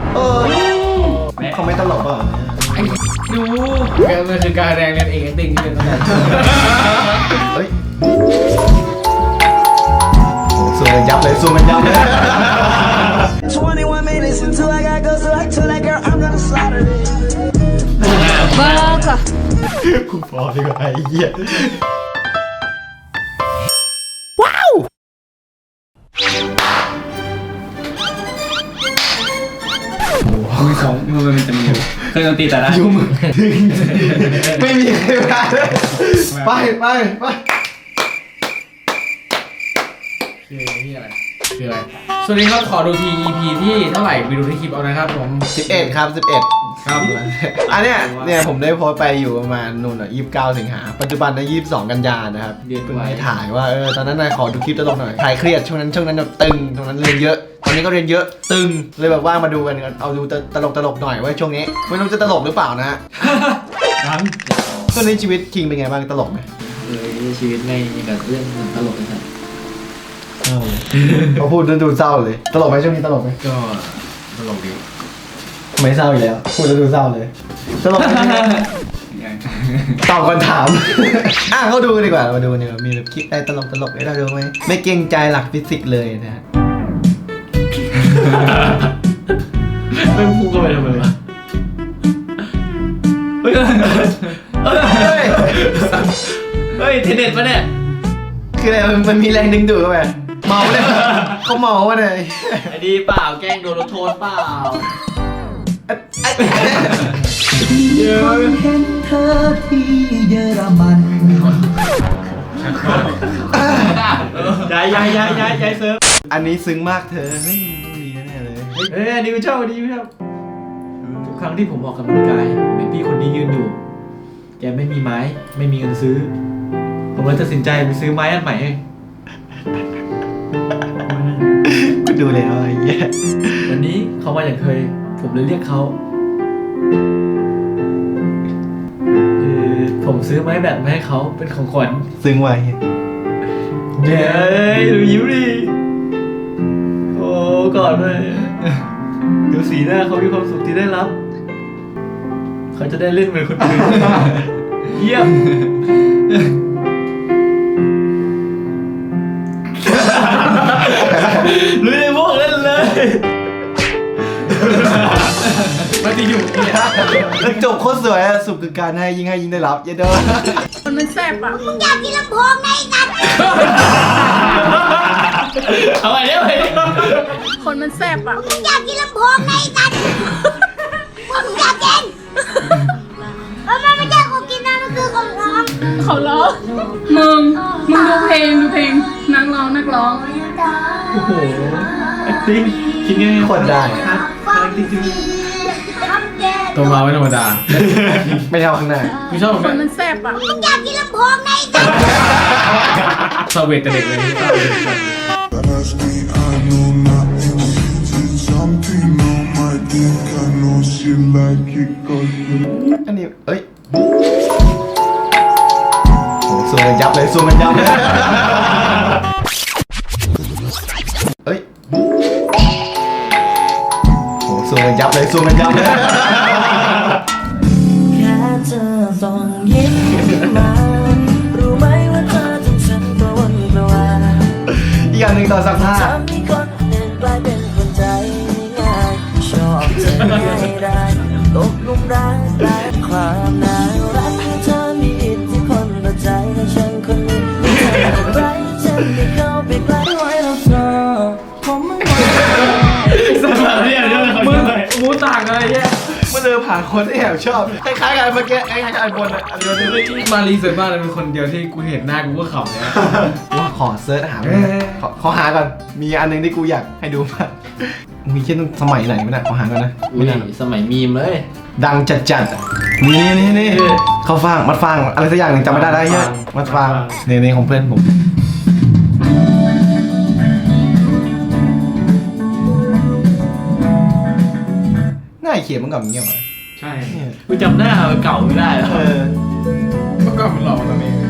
เขาไม่ตลกป่ะดูมันคือการแรงเรียนเองติ้งที่เรียนตั้งแต่เฮ้ยสู้กันยับเลยสู้กันยับเลย21 minutes until I got go so I told that girl I'm gonna slaughter it บ้าค่ะกูพอดีกว่าไอ้เหี้ยว้าวมือสองมือมันจะมีเคยดนตรีแต่ละยุ่งไม่มีใครมาเลยไปคือนี่อะไรคืออะไรสวัสดีครับขอดูที EP ที่เท่าไหร่ไปดูที่คลิปเอานะครับผม 11ครับ11ครับอันเนี้ยผมได้โพสต์ไปอยู่ประมาณนู่นอ่ะ29สิงหาปัจจุบันนะ22กันยานะครับเพิ่งไปถ่ายว่าตอนนั้นนายขอดูคลิปตลกหน่อยถ่ายเครียดช่วงนั้นแบบตึงตรงนั้นเรียนเยอะตอนนี้ก็เรียนเยอะตึงเลยแบบว่ามาดูกันเอาดูตลกหน่อยว่าช่วงนี้ไม่รู้จะตลกหรือเปล่านะฮะช่วงนี้ชีวิตคิงเป็นไงบ้างตลกไหมชีวิตในแบบเรื่องตลกนะครับเขาพูดดูเศร้าเลยตลกไหมช่วงนี้ตลกไหมก็ตลกดีไม่เศร้าอยู่แล้วพูดแล้วดูเศร้าเลยตลกไหมตอบคำถามเขาดูดีกว่ามาดูเนี่ยมีแบบคลิปอะไรตลกให้เราดูไหมไม่เกรงใจหลักฟิสิกส์เลยนะฮะไม่พูดก็ไปทำไมวะเฮ้ยเทเน็ตปะเนี่ยคืออะไรมันมีแรงดึงดูดเข้าไปเมาเลยเขาเมาวะเนี่ยไอ้ดีเปล่าแกล้งโดนรถโทษเปล่ามีคนเห็นเธอที่เยอรมันย้ายเซิร์ฟอันนี้ซึ้งมากเธอเฮ้ยดีแน่เลยอันนี้ไม่ชอบทุกครั้งที่ผมออกกำลังกายผมเห็นพี่คนนี้ยืนอยู่แกไม่มีไม้ไม่มีเงินซื้อผมเลยตัดสินใจไปซื้อไม้อันใหม่ก็ดูแล้วไอ้เหี้ยวันนี้เขามาอย่างเคยผมเลยเรียกเขาผมซื้อไม้แบตมาให้เขาเป็นของขวัญซึ้งไว้เย้ดูยิ้มดิโอ้กอดเลยดูสีหน้าเขามีความสุขที่ได้รับเขาจะได้เล่นเหมือนคนอื่นเยี่ยมลุยในพวกเล่นเลยมาตีอยู่เนี่ยจบโคตรสวยสุขคือการให้ยิ่งได้รับเยอะเด้อมันแซ่บอ่ะมึงอยากกินลำโพงไงกันเอาไปเดี๋ยวคนมันแซ่บอ่ะมึงอยากกินลำโพงไงกันมึงอยากกินมันไม่ใช่ของกินนะมันคือของร้องมึงดูเพลงนักร้องโอ้โห acting คิดง่ายๆคนได้ตัวมาไม่ธรรมดาไม่ชอบข้างหน้าไม่ชอบคนมันแซ่บอ่ะมึงอยากกินลำโพงไงกันซาเวตแต่เด็กเลยอันนี้เอ้ยสู้กันยับเลยเอ้ยสู้กันยับเลยแค่เธอส่งยิ้มมารู้ไหมว่าเธอทำฉันกระวนกระวายอีกอย่างหนึ่งตอนสักผ้าทำให้คนหนึ่งกลายเป็นคนใจง่ายชอบเธอไม่ได้ตกหลุมรักและความน่ารักให้เธอมีอิทธิพลต่อใจและฉันคนนี้อะไรฉันได้เข้าไปใกล้ไว้แล้วเธอผมไม่ไหวสมัครเนี่ยมูต่างอะไรเนี่ยเมื่อเจอผ่านคนที่แอบชอบคล้ายๆกันเมื่อกี้คล้ายๆกันบนอันเดียวที่มารีเสิร์ชมากเลยเป็นคนเดียวที่กูเห็นหน้ากูก็ขำเนี่ยว่าขอเซิร์ชหาขอหาก่อนมีอันนึงที่กูอยากให้ดูมากมีเช่นสมัยไหนไม่ได้ขอหาก่อนนะไม่ได้สมัยมีมเลยดังจัดนี่เขาฟังมัดฟังอะไรสักอย่างหนึ่งจำไม่ได้ใช่มัดฟังนี่ของเพื่อนผมง่ายเขียนมันกับเงี้ยมาใช่กูจำหน้าเก่าไม่ได้แล้วเมื่อก่อนมันหล่อตอนนี้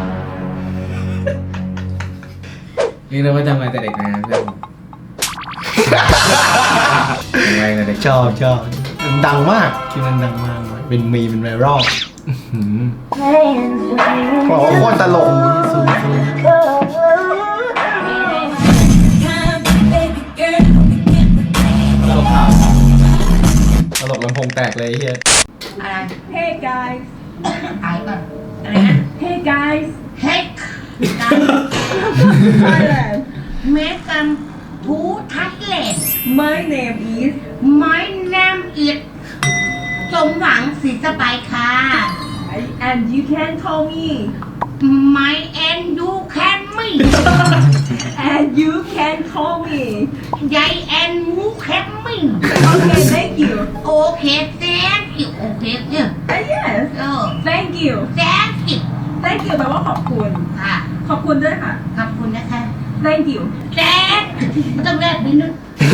นี่เราว่าจำมาแต่เด็กนะเพื่อนแรงเลยเด็กชอบดังมากคลิปนั้นดังมากเป็นมีเป็นไวรัลบอกว่าโคตรตลกตลกลำโพงแตกเลยไอ้เฮีย Hey guys ไอ้ก่อน Hey guys เฮ้ย Thailand เมกันทูทัดเลน My name is My name is สมหวังศรีสบายค่ะ and you can call me My and you can me and you can call me ยาย and you can me Okay thank you โอเค thank you โอเคเนี่ย Yes เออ thank you thank you thank you แปลว่าขอบคุณค่ะขอบคุณด้วยค่ะขอบคุณนะคะ thank you thank ต้องแรกนิดนึง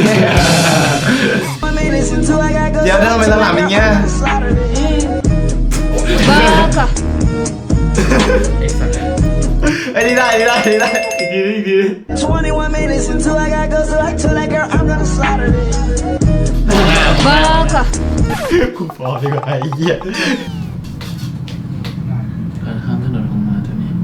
เดี๋ยวทำไมหลังๆอย่างเงี้ย ไอ้นี่ได้อีกที 21 minutes until I gotta go, so I told that girl I'm gonna slaughter it. กูพอดีกว่าไอ้เหี้ยการข้ามถนนของมาตัวนี้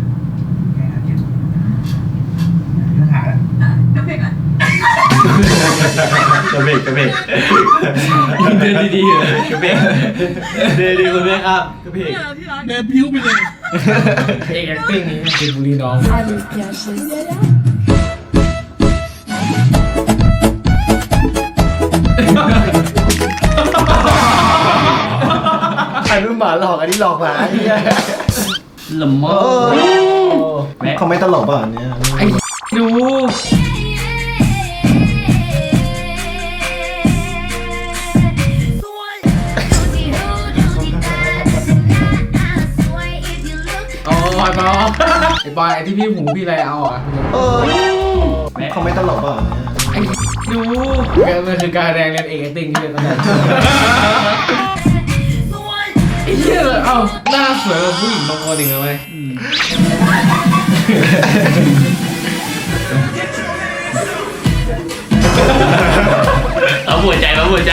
กระเบกเดินดีๆเลยกระเบกเดินดีคุณแม่ครับกระเบกเดินพิ้วไปเลยเอกแอคติ้งนี่เป็นบุรีน้องอันนู้นหมาหลอกอันนี้หลอกหมาไอ้เหี้ยละมอเขาไม่ตลกป่ะอันเนี้ยไอ้ดูอ๋อบอยไอ้บอยไอ้ที่พี่หูพี่อะไรเอาอ่ะเขาไม่ตลกป่ะอันเนี้ยไอ้ดูมันคือการแสดงเรียนเอกติ้งที่เรียนตั้งแต่ไอ้เหี้ยเอ้าหน้าสวยกว่าผู้หญิงบางคนอีกไหมเอาหัวใจ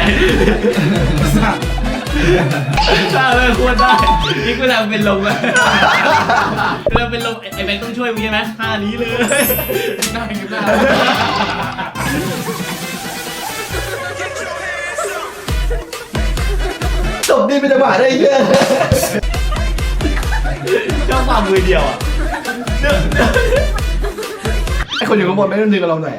ถ้าเลยควรได้นี่กูทำเป็นลมอะเราเป็นลมไอ้แบงค์ต้องช่วยมึงใช่ไหมท่านี้เลยหน้ากันหน้าจบดีเป็นจังหวะได้เหี้ยชอบความมือเดียวอ่ะไอ้คนอยู่ข้างบนไม่ต้องดึงกับเราหน่อย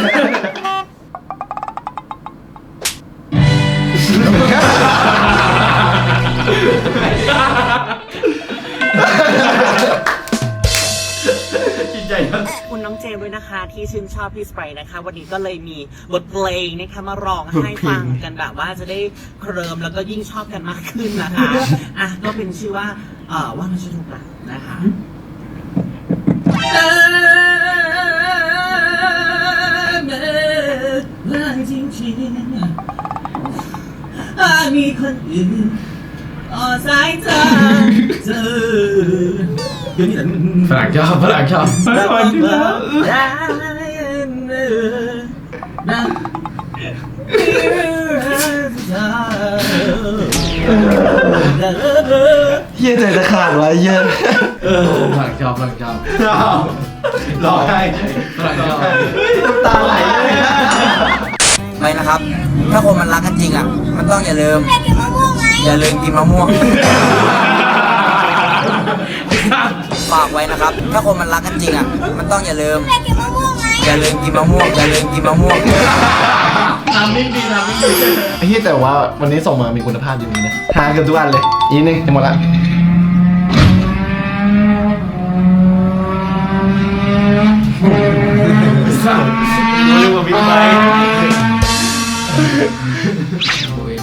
จิตใจนะคุณน้องเจมส์ด้วยนะคะที่ชื่นชอบพี่สไปร์นะคะ วันนี้ก็เลยมีบทเพลงนะคะมาร้องให้ฟังกันแบบว่าจะได้เคลิ้มแล้วก็ยิ่งชอบกันมากขึ้นนะคะอ่ะก็เป็นชื่อว่าว่ามันจะถูกหลักนะคะจริงๆมีคนอื่นสายตาเธอฝรั่งชอบไม่ไหวจริงแล้วเหี้ยใจจะขาดวะเหี้ยฝรั่งชอบร้องไห้ฝรั่งชอบน้ำตาไหลเลยไปนะครับ ถ้าคนมันรักกันจริงอ่ะ มันต้องอย่าลืมกินมะม่วงไงอย่าลืมกินมะม่วง ฝากไว้นะครับ ถ้าคนมันรักกันจริงอ่ะ มันต้องอย่าลืมกินมะม่วงไงอย่าลืมกินมะม่วงอย่าลืมกินมะม่วงทำนิ่งดีไอ้เหี้ยแต่ว่าวันนี้ส่งมามีคุณภาพจริงๆนะทานกันทุกอันเลยอีกนึงหมดละเรื่องมันมีไปโอ้ย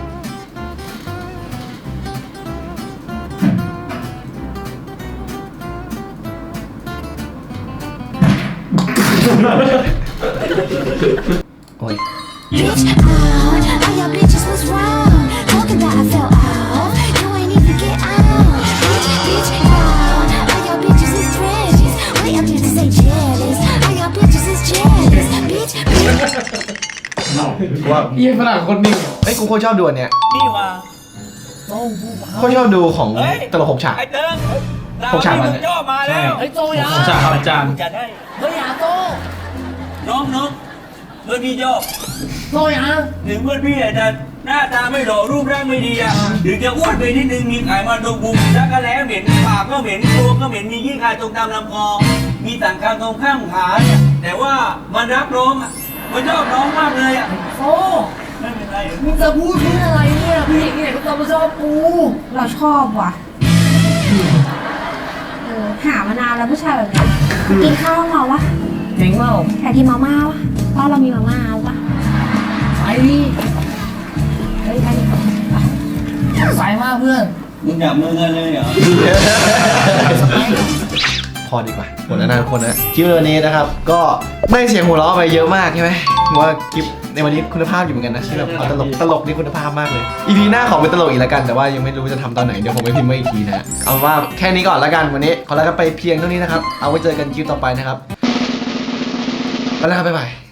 โอ้ย Bitch out, all your bitches was wrong. Talking that I fell out, you ain't even get out. Bitch out, all your bitches is precious. Way up here to say jealous, all your bitches is jealous. Bitch ว่าเยี่ยฝรั่งคนนิ่งเอ้ยกูโคตรชอบดูอันเนี้ยนี่ว่าโคตรชอบดูของตลก6 ฉากไอ้เติ้ง 6 ฉากมันย่อมาแล้วไอ้โจยาจ่าครับอาจารย์จัดให้เฮ้ยอาโตน้องเพื่อนพี่ย่อโจยาถึงเพื่อนพี่อาจจะหน้าตาไม่หล่อรูปร่างไม่ดีอ่ะถึงจะอ้วนไปนิดนึงมีไขมันตรงบุมชักกระแล้เหม็นปากก็เหม็นตัวก็เหม็นมีขี้คายตรงตามลำคอมีต่างคางตรงข้างขาเนี่ยแต่ว่ามันรักน้องอ่ะมันชอบน้องมากเลยอ่ะโอ้ไม่เป็นไรมึงจะพูดเพื่ออะไรเนี่ยพี่เนี่ยก็จะมาชอบกูเราชอบว่ะหามานานแล้วผู้ชายแบบนี้กินข้าวเราวะเจ๋งเปล่าอยากกินมาม่าวะบ้านเรามีมาม่าวะไปดิเฮ้ยไปดิสายมากเพื่อนมึงจับมือกันเลยเหรอพอดีกว่าหมดแล้วนะทุกคนนะคลิปวันนี้นะครับก็ได้เสียงหัวเราะไปเยอะมากใช่ไหมว่าคลิปในวันนี้คุณภาพอยู่เหมือนกันนะที่แบบตลกนี่คุณภาพมากเลย EP หน้าขอเป็นตลกอีกแล้วกันแต่ว่ายังไม่รู้จะททำตอนไหนเดี๋ยวผมไปพิมพ์ไว้อีกทีนะเอาว่าแค่นี้ก่อนแล้วกันวันนี้ขอลากันไปเพียงเท่านี้นะครับเอาไว้เจอกันคลิปต่อไปนะครับไปแล้วครับบ๊ายบาย